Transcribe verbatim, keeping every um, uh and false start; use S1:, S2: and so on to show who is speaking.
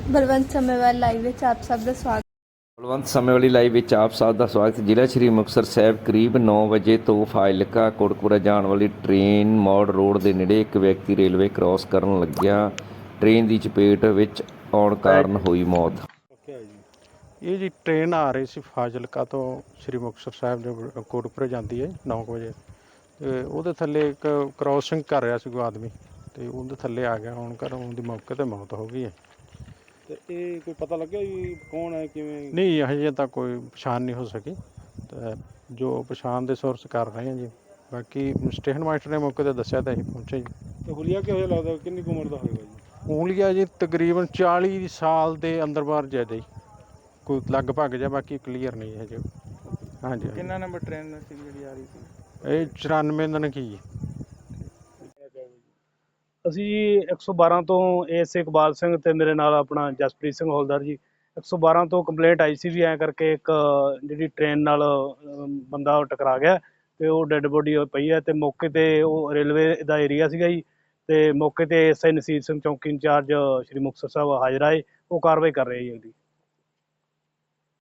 S1: Balwant ਸਮੇਵਾਲ live ਵਿੱਚ ਆਪ ਸਭ ਦਾ ਸਵਾਗਤ।
S2: ਬਲਵੰਤ ਸਮੇਂ ਵਾਲੀ ਲਾਈਵ ਵਿੱਚ ਆਪ ਸਭ ਦਾ ਸਵਾਗਤ। ਜ਼ਿਲ੍ਹਾ ਸ਼੍ਰੀ ਮੁਕਤਸਰ ਸਾਹਿਬ ਕਰੀਬ ਨੌ ਵਜੇ ਤੋਂ ਫਾਜ਼ਿਲਕਾ ਕੋਟਕਪੂਰਾ ਜਾਣ ਵਾਲੀ ਟ੍ਰੇਨ ਮੌੜ ਰੋਡ ਦੇ ਨੇੜੇ ਇੱਕ ਵਿਅਕਤੀ ਰੇਲਵੇ ਕ੍ਰਾਸ ਕਰਨ ਲੱਗਿਆ ਟ੍ਰੇਨ ਦੀ ਚਪੇਟ ਵਿੱਚ ਆਉਣ ਕਾਰਨ ਹੋਈ ਮੌਤ।
S3: ਇਹ ਜੀ ਟ੍ਰੇਨ ਆ ਰਹੀ ਸੀ ਫਾਜ਼ਿਲਕਾ ਤੋਂ ਸ਼੍ਰੀ ਮੁਕਤਸਰ ਸਾਹਿਬ ਦੇ ਕੋਟਕਪੂਰੇ ਜਾਂਦੀ ਹੈ ਨੌ ਵਜੇ, ਅਤੇ ਉਹਦੇ ਥੱਲੇ ਇੱਕ ਕ੍ਰਾਸਿੰਗ ਕਰ ਰਿਹਾ ਸੀ ਕੋਈ ਆਦਮੀ, ਅਤੇ ਉਹਦੇ ਥੱਲੇ ਆ ਗਿਆ ਆਉਣ ਕਾਰਨ ਉਹਦੀ ਮੌਕੇ 'ਤੇ ਮੌਤ ਹੋ ਗਈ ਹੈ।
S4: ਤੇ ਇਹ ਕੋਈ ਪਤਾ ਲੱਗਿਆ ਵੀ ਕੌਣ ਹੈ ਕਿਵੇਂ?
S3: ਨਹੀਂ, ਹਜੇ ਤਾਂ ਕੋਈ ਪਛਾਣ ਨਹੀਂ ਹੋ ਸਕੀ, ਅਤੇ ਜੋ ਪਛਾਣ ਦੇ ਸੋਰਸ ਕਰ ਰਹੇ ਹਾਂ ਜੀ। ਬਾਕੀ ਸਟੇਸ਼ਨ ਮਾਸਟਰ ਨੇ ਮੌਕੇ 'ਤੇ ਦੱਸਿਆ ਤਾਂ ਅਸੀਂ ਪਹੁੰਚੇ ਜੀ।
S4: ਤੇ ਹੁਲੀਆ ਕਿਹੋ ਜਿਹਾ ਲੱਗਦਾ, ਕਿੰਨੀ ਕੁ ਉਮਰ ਦਾ ਹੋਵੇਗਾ ਜੀ?
S3: ਉਂਗਲੀਆ ਜੀ ਤਕਰੀਬਨ ਚਾਲੀ ਸਾਲ ਦੇ ਅੰਦਰ ਬਾਹਰ ਜਾਇਦਾ ਜੀ, ਕੋਈ ਲਗਭਗ ਜਾਂ ਬਾਕੀ ਕਲੀਅਰ ਨਹੀਂ ਹੈ ਜੀ। ਹਾਂਜੀ,
S4: ਕਿੰਨਾ ਨੰਬਰ ਟ੍ਰੇਨ ਸੀ ਜਿਹੜੀ ਆ ਰਹੀ ਸੀ?
S3: ਇਹ ਚੁਰਾਨਵੇਂ ਦਿਨ ਕੀ ਜੀ।
S5: ਅਸੀਂ ਜੀ ਇੱਕ ਸੌ ਬਾਰਾਂ ਤੋਂ ਏਐਸ ਇਕਬਾਲ ਸਿੰਘ ਅਤੇ ਮੇਰੇ ਨਾਲ ਆਪਣਾ ਜਸਪ੍ਰੀਤ ਸਿੰਘ ਹੌਲਦਾਰ ਜੀ ਇੱਕ ਸੌ ਬਾਰਾਂ ਤੋਂ ਕੰਪਲੇਂਟ ਆਈ ਸੀ ਵੀ ਐਂ ਕਰਕੇ ਇੱਕ ਜਿਹੜੀ ਟ੍ਰੇਨ ਨਾਲ ਬੰਦਾ ਟਕਰਾ ਗਿਆ ਅਤੇ ਉਹ ਡੈੱਡ ਬੋਡੀ ਪਈ ਹੈ। ਅਤੇ ਮੌਕੇ 'ਤੇ ਉਹ ਰੇਲਵੇ ਦਾ ਏਰੀਆ ਸੀਗਾ ਜੀ, ਅਤੇ ਮੌਕੇ 'ਤੇ ਐਸ ਆਈ ਨਸੀਰ ਸਿੰਘ ਚੌਂਕੀ ਇੰਚਾਰਜ ਸ਼੍ਰੀ ਮੁਕਤਸਰ ਸਾਹਿਬ ਹਾਜ਼ਰ ਆਏ, ਉਹ ਕਾਰਵਾਈ ਕਰ ਰਹੇ ਜੀ ਉਹਦੀ।